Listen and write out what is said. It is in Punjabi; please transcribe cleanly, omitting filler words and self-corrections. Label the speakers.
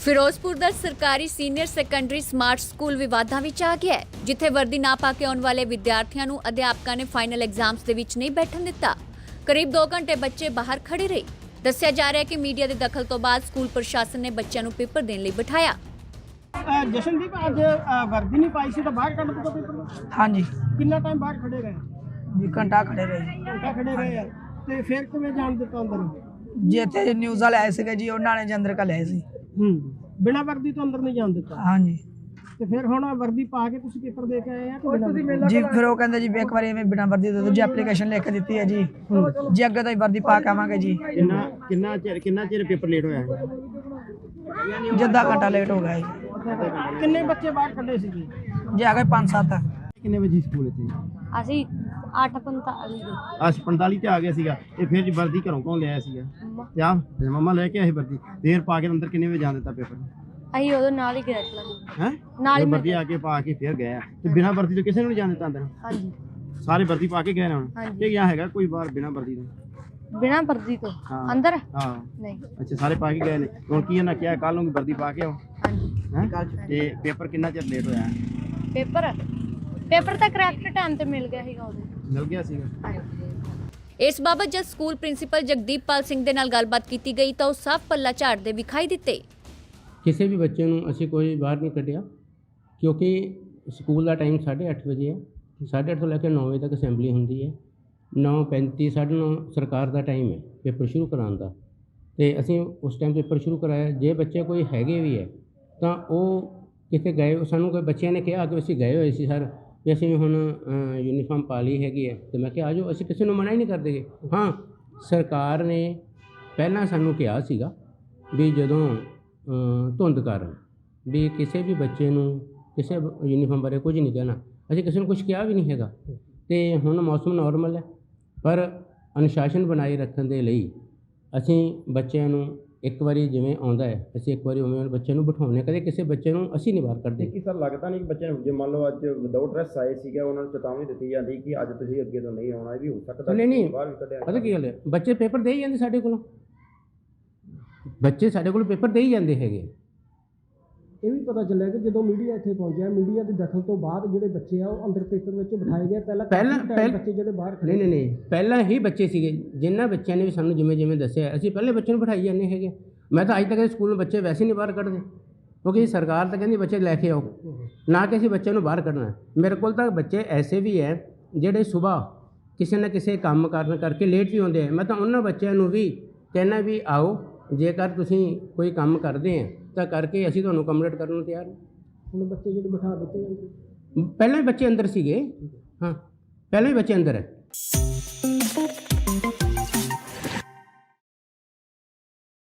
Speaker 1: ਫਿਰੋਜ਼ਪੁਰ ਦਾ ਸਰਕਾਰੀ ਸੀਨੀਅਰ ਸੈਕੰਡਰੀ ਸਮਾਰਟ ਸਕੂਲ ਵਿਵਾਦਾਂ ਵਿੱਚ ਆ ਗਿਆ ਹੈ, ਜਿੱਥੇ ਵਰਦੀ ਨਾ ਪਾ ਕੇ ਆਉਣ ਵਾਲੇ ਵਿਦਿਆਰਥੀਆਂ ਨੂੰ ਅਧਿਆਪਕਾਂ ਨੇ ਫਾਈਨਲ ਐਗਜ਼ਾਮਸ ਦੇ ਵਿੱਚ ਨਹੀਂ ਬੈਠਣ ਦਿੱਤਾ। ਕਰੀਬ 2 ਘੰਟੇ ਬੱਚੇ ਬਾਹਰ ਖੜੇ ਰਹੇ। ਦੱਸਿਆ ਜਾ ਰਿਹਾ ਹੈ ਕਿ ਮੀਡੀਆ ਦੇ ਦਖਲ ਤੋਂ ਬਾਅਦ ਸਕੂਲ ਪ੍ਰਸ਼ਾਸਨ ਨੇ ਬੱਚਿਆਂ ਨੂੰ ਪੇਪਰ ਦੇਣ ਲਈ ਬਿਠਾਇਆ।
Speaker 2: ਜਸ਼ਨਦੀਪ ਅੱਜ ਵਰਦੀ ਨਹੀਂ ਪਾਈ ਸੀ ਤਾਂ ਬਾਹਰ ਕੱਢ ਦਿੱਤਾ ਪੇਪਰ ਨੂੰ।
Speaker 3: ਹਾਂਜੀ
Speaker 2: ਕਿੰਨਾ ਟਾਈਮ ਬਾਹਰ ਖੜੇ ਰਹੇ?
Speaker 3: ਜੀ ਘੰਟਾ ਖੜੇ ਰਹੇ
Speaker 2: ਘੰਟਾ ਖੜੇ ਰਹੇ ਆ ਤੇ ਫਿਰ ਕਿਵੇਂ ਜਾਣ ਦਿੱਤਾ ਅੰਦਰ?
Speaker 3: ਜੀ ਇੱਥੇ ਨਿਊਜ਼ ਵਾਲੇ ਆਏ ਸੀਗੇ ਜੀ, ਉਹਨਾਂ ਨੇ ਜੀ ਅੰਦਰ ਘੱਲਿਆ ਸੀ।
Speaker 2: ਬਿਨਾਂ ਵਰਦੀ ਤੋਂ ਅੰਦਰ ਨਹੀਂ ਜਾਣ ਦਿੱਤਾ।
Speaker 3: ਹਾਂਜੀ
Speaker 2: ਤੇ ਫਿਰ ਹੁਣ ਵਰਦੀ ਪਾ ਕੇ ਤੁਸੀਂ ਪੇਪਰ ਦੇ ਕੇ ਆਏ ਆ ਕਿ ਬਿਨਾਂ ਵਰਦੀ?
Speaker 3: ਜੀ ਫਿਰ ਉਹ ਕਹਿੰਦੇ ਜੀ ਵੀ ਇੱਕ ਵਾਰੀ ਐਵੇਂ ਬਿਨਾਂ ਵਰਦੀ ਦੇ ਦਿਓ ਜੀ, ਐਪਲੀਕੇਸ਼ਨ ਲਿਖ ਕੇ ਦਿੱਤੀ ਹੈ ਜੀ। ਜੀ ਅੱਗੇ ਤੋਂ ਹੀ ਵਰਦੀ ਪਾ ਕੇ ਆਵਾਂਗੇ ਜੀ।
Speaker 2: ਕਿੰਨਾ ਚਿਰ ਪੇਪਰ ਲੇਟ ਹੋਇਆ?
Speaker 3: ਜੀ ਅੱਧਾ ਘੰਟਾ ਲੇਟ ਹੋ ਗਿਆ ਜੀ।
Speaker 2: ਕਿੰਨੇ ਬੱਚੇ ਬਾਹਰ ਖੜੇ ਸੀ ਜੀ?
Speaker 3: ਜੀ ਆ ਗਏ 5-7।
Speaker 2: ਕਿੰਨੇ ਵਜੇ ਸਕੂਲ ਇੱਥੇ?
Speaker 4: ਅਸੀਂ 8:45 ਦੇ
Speaker 2: 45 ਤੇ ਆ ਗਿਆ ਸੀਗਾ। ਤੇ ਫਿਰ ਜੀ ਵਰਦੀ ਘਰੋਂ ਕੌਣ ਲਿਆਇਆ ਸੀਗਾ? ਤੇ ਆ ਮੰਮਾ ਲੈ ਕੇ ਆਏ ਵਰਦੀ। ਦੇਰ ਪਾ ਕੇ ਅੰਦਰ ਕਿੰਨੇ ਵਜੇ ਜਾਣ ਦਿੱਤਾ ਪੇਪਰ?
Speaker 4: ਅਸੀਂ ਉਹਦੇ ਨਾਲ ਹੀ ਗਏ ਸੀ।
Speaker 2: ਹੈ
Speaker 4: ਨਾਲ ਹੀ
Speaker 2: ਵਰਦੀ ਆ ਕੇ ਪਾ ਕੇ ਫਿਰ ਗਏ ਆ। ਤੇ ਬਿਨਾਂ ਵਰਦੀ ਤੋਂ ਕਿਸੇ ਨੂੰ ਨਹੀਂ ਜਾਣ ਦਿੱਤਾ ਅੰਦਰ?
Speaker 4: ਹਾਂਜੀ
Speaker 2: ਸਾਰੇ ਵਰਦੀ ਪਾ ਕੇ ਗਏ ਨੇ ਹੁਣ?
Speaker 4: ਹਾਂਜੀ।
Speaker 2: ਇਹ ਗਿਆ ਹੈਗਾ ਕੋਈ ਬਾਹਰ ਬਿਨਾਂ ਵਰਦੀ ਤੋਂ?
Speaker 4: ਬਿਨਾਂ ਵਰਦੀ ਤੋਂ
Speaker 2: ਹਾਂ।
Speaker 4: ਅੰਦਰ
Speaker 2: ਹਾਂ
Speaker 4: ਨਹੀਂ।
Speaker 2: ਅੱਛਾ, ਸਾਰੇ ਪਾ ਕੇ ਗਏ ਨੇ। ਹੁਣ ਕੀ ਇਹਨਾਂ ਕਿਹਾ ਕੱਲ ਨੂੰ ਵਰਦੀ ਪਾ ਕੇ ਆਓ?
Speaker 4: ਹਾਂਜੀ।
Speaker 2: ਹੈਂ? ਤੇ ਪੇਪਰ ਕਿੰਨਾ ਚਿਰ ਲੇਟ ਹੋਇਆ?
Speaker 4: ਪੇਪਰ ਤਾਂ ਕਰੈਕਟ ਟਾਈਮ ਤੇ ਮਿਲ ਗਿਆ ਸੀਗਾ ਉਹਦੇ।
Speaker 2: ਮਿਲ ਗਿਆ ਸੀਗਾ।
Speaker 1: ਇਸ ਬਾਬਤ ਜਦ ਸਕੂਲ ਪ੍ਰਿੰਸੀਪਲ ਜਗਦੀਪਪਾਲ ਸਿੰਘ ਦੇ ਨਾਲ ਗੱਲਬਾਤ ਕੀਤੀ ਗਈ ਤਾਂ ਉਹ ਸਾਫ਼ ਪੱਲਾ ਝਾੜਦੇ ਵਿਖਾਈ ਦਿੱਤੇ।
Speaker 5: ਕਿਸੇ ਵੀ ਬੱਚੇ ਨੂੰ ਅਸੀਂ ਕੋਈ ਬਾਹਰ ਨਹੀਂ ਕੱਢਿਆ, ਕਿਉਂਕਿ ਸਕੂਲ ਦਾ ਟਾਈਮ 8:30 ਵਜੇ ਹੈ। 8:30 ਤੋਂ ਲੈ ਕੇ 9 ਵਜੇ ਤੱਕ ਅਸੈਂਬਲੀ ਹੁੰਦੀ ਹੈ। 9:35 9:30 ਸਰਕਾਰ ਦਾ ਟਾਈਮ ਹੈ ਪੇਪਰ ਸ਼ੁਰੂ ਕਰਾਉਣ ਦਾ, ਤੇ ਅਸੀਂ ਉਸ ਟਾਈਮ ਪੇਪਰ ਸ਼ੁਰੂ ਕਰਾਇਆ। ਜੇ ਬੱਚੇ ਕੋਈ ਹੈਗੇ ਵੀ ਹੈ ਤਾਂ ਉਹ ਕਿਤੇ ਗਏ, ਸਾਨੂੰ ਕੋਈ ਬੱਚਿਆਂ ਨੇ ਕਿਹਾ ਕਿ ਅਸੀਂ ਗਏ ਹੋਏ ਸੀ ਸਰ, ਵੀ ਅਸੀਂ ਹੁਣ ਯੂਨੀਫਾਰਮ ਪਾ ਲਈ ਹੈਗੀ ਹੈ। ਤੇ ਮੈਂ ਕਿਹਾ ਆ ਜਾਓ, ਅਸੀਂ ਕਿਸੇ ਨੂੰ ਮਨਾ ਹੀ ਨਹੀਂ ਕਰਦੇ। ਹਾਂ, ਸਰਕਾਰ ਨੇ ਪਹਿਲਾਂ ਸਾਨੂੰ ਕਿਹਾ ਸੀਗਾ ਵੀ ਜਦੋਂ ਧੁੰਦ ਕਾਰਨ ਵੀ ਕਿਸੇ ਵੀ ਬੱਚੇ ਨੂੰ ਕਿਸੇ ਯੂਨੀਫਾਰਮ ਬਾਰੇ ਕੁਝ ਨਹੀਂ ਕਹਿਣਾ। ਅਸੀਂ ਕਿਸੇ ਨੂੰ ਕੁਝ ਕਿਹਾ ਵੀ ਨਹੀਂ ਹੈਗਾ। ਤੇ ਹੁਣ ਮੌਸਮ ਨਾਰਮਲ ਹੈ, ਪਰ ਅਨੁਸ਼ਾਸਨ ਬਣਾਏ ਰੱਖਣ ਦੇ ਲਈ ਅਸੀਂ ਬੱਚਿਆਂ ਨੂੰ ਇੱਕ ਵਾਰੀ ਜਿਵੇਂ ਆਉਂਦਾ ਹੈ, ਅਸੀਂ ਇੱਕ ਵਾਰੀ ਉਵੇਂ ਬੱਚੇ ਨੂੰ ਬਿਠਾਉਂਦੇ। ਕਦੇ ਕਿਸੇ ਬੱਚੇ ਨੂੰ ਅਸੀਂ ਨਹੀਂ ਬਾਹਰ ਕੱਢਦੇ।
Speaker 2: ਕੀ ਸਰ ਲੱਗਦਾ ਨਹੀਂ ਕਿ ਬੱਚੇ ਨੂੰ, ਜੇ ਮੰਨ ਲਓ ਅੱਜ ਵਿਦਆਊਟ ਡਰੈਸ ਆਏ ਸੀਗਾ, ਉਹਨਾਂ ਨੂੰ ਚੇਤਾਵਨੀ ਦਿੱਤੀ ਜਾਂਦੀ ਕਿ ਅੱਜ ਤੁਸੀਂ ਅੱਗੇ ਤੋਂ ਨਹੀਂ ਆਉਣਾ? ਇਹ ਵੀ ਹੋ ਸਕਦਾ।
Speaker 5: ਨਹੀਂ,
Speaker 2: ਬਾਹਰ ਵੀ ਕੱਢਿਆ।
Speaker 5: ਪਤਾ ਕੀ ਗੱਲ ਹੈ, ਬੱਚੇ ਪੇਪਰ ਦੇ ਹੀ ਜਾਂਦੇ ਸਾਡੇ ਕੋਲੋਂ। ਬੱਚੇ ਸਾਡੇ ਕੋਲ ਪੇਪਰ ਦੇ ਹੀ ਜਾਂਦੇ ਹੈਗੇ।
Speaker 2: ਇਹ ਵੀ ਪਤਾ ਚੱਲਿਆ ਕਿ ਜਦੋਂ ਮੀਡੀਆ ਇੱਥੇ ਪਹੁੰਚਿਆ, ਮੀਡੀਆ ਦੇ ਦਖਲ ਤੋਂ ਬਾਅਦ ਜਿਹੜੇ ਬੱਚੇ ਆ ਉਹ ਅੰਦਰ ਪੇਪਰ ਵਿੱਚ ਬਿਠਾਏ ਗਏ। ਪਹਿਲਾਂ ਬੱਚੇ ਜਿਹੜੇ ਬਾਹਰ ਖੜੇ
Speaker 5: ਨਹੀਂ, ਪਹਿਲਾਂ ਹੀ ਬੱਚੇ ਸੀਗੇ। ਜਿਨ੍ਹਾਂ ਬੱਚਿਆਂ ਨੇ ਵੀ ਸਾਨੂੰ ਜਿਵੇਂ ਦੱਸਿਆ, ਅਸੀਂ ਪਹਿਲੇ ਬੱਚੇ ਨੂੰ ਬਿਠਾਈ ਜਾਂਦੇ ਹੈਗੇ। ਮੈਂ ਤਾਂ ਅੱਜ ਤੱਕ ਸਕੂਲ ਨੂੰ ਬੱਚੇ ਵੈਸੇ ਨਹੀਂ ਬਾਹਰ ਕੱਢਦੇ, ਕਿਉਂਕਿ ਸਰਕਾਰ ਤਾਂ ਕਹਿੰਦੀ ਬੱਚੇ ਲੈ ਕੇ ਆਓ, ਨਾ ਕਿ ਅਸੀਂ ਬੱਚਿਆਂ ਨੂੰ ਬਾਹਰ ਕੱਢਣਾ। ਮੇਰੇ ਕੋਲ ਤਾਂ ਬੱਚੇ ਐਸੇ ਵੀ ਹੈ ਜਿਹੜੇ ਸੁਬਾਹ ਕਿਸੇ ਨਾ ਕਿਸੇ ਕੰਮ ਕਾਰਨ ਕਰਕੇ ਲੇਟ ਵੀ ਹੁੰਦੇ ਆ। ਮੈਂ ਤਾਂ ਉਹਨਾਂ ਬੱਚਿਆਂ ਨੂੰ ਵੀ ਕਹਿਣਾ ਵੀ ਆਓ, ਜੇਕਰ ਤੁਸੀਂ ਕੋਈ ਕੰਮ ਕਰਦੇ ਆ ਤਾਂ ਕਰਕੇ ਅਸੀਂ ਤੁਹਾਨੂੰ ਅਕੋਮੋਡੇਟ ਕਰਨ ਨੂੰ ਤਿਆਰ ਹਾਂ।
Speaker 2: ਹੁਣ ਬੱਚੇ ਜਿਹੜੇ ਬਿਠਾ ਦਿੱਤੇ ਜਾਂਦੇ?
Speaker 5: ਪਹਿਲਾਂ ਵੀ ਬੱਚੇ ਅੰਦਰ ਸੀਗੇ। ਹਾਂ, ਪਹਿਲਾਂ ਵੀ ਬੱਚੇ ਅੰਦਰ ਹੈ।